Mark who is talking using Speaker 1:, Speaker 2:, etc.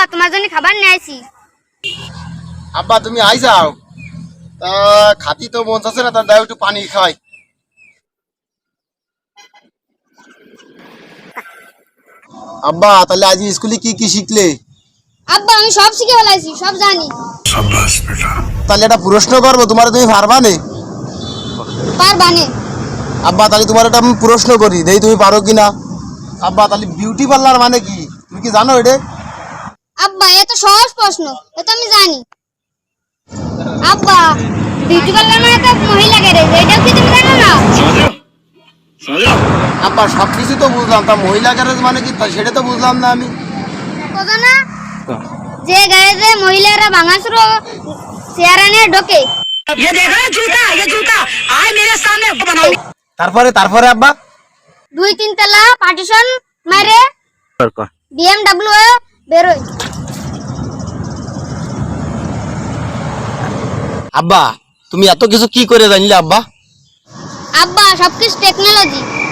Speaker 1: তোমার জন্য খাবার নিয়ে আইছি।
Speaker 2: আব্বা তুমি আইসাও, তা খাতি তো মন চাচ্ছে না, তার দাও একটু পানি খাই। আব্বা তাহলে আজ স্কুলে কি কি শিখলে?
Speaker 1: আব্বা আমি সব শিখে ফেলাইছি, সব জানি।
Speaker 2: তাহলে একটা প্রশ্ন করবো, তোমার তুমি পারবা নে?
Speaker 1: পারবানে?
Speaker 2: আব্বা তাহলে তোমার একটা আমি প্রশ্ন করি, দেখি তুমি পারো কিনা। আব্বা তাহলে বিউটি পার্লার মানে কি তুমি কি জানো এটা?
Speaker 1: আব্বা এ তো সহজ প্রশ্ন, এ তো আমি জানি। আব্বা বিউটি পার্লার মানে তো মহিলা গ্যারেজ, এটাও কি তুমি জানো না?
Speaker 2: আব্বা সবকিছু তো বুঝলাম, তা মহিলা গ্যারেজ মানে কি তা সেটা তো বুঝলাম না আমি।
Speaker 1: কথা না, যে গ্যারেজে মহিলারা ভাঙাচুরো চেয়ারা নিয়ে ঢোকে।
Speaker 2: তারপরে তারপরে আব্বা
Speaker 1: 2-3 তলা পার্টিশন মারে BMW বেরোয়।
Speaker 2: আব্বা তুমি এত কিছু কি করে জানলে আব্বা?
Speaker 1: আব্বা সবকিছু টেকনোলজি।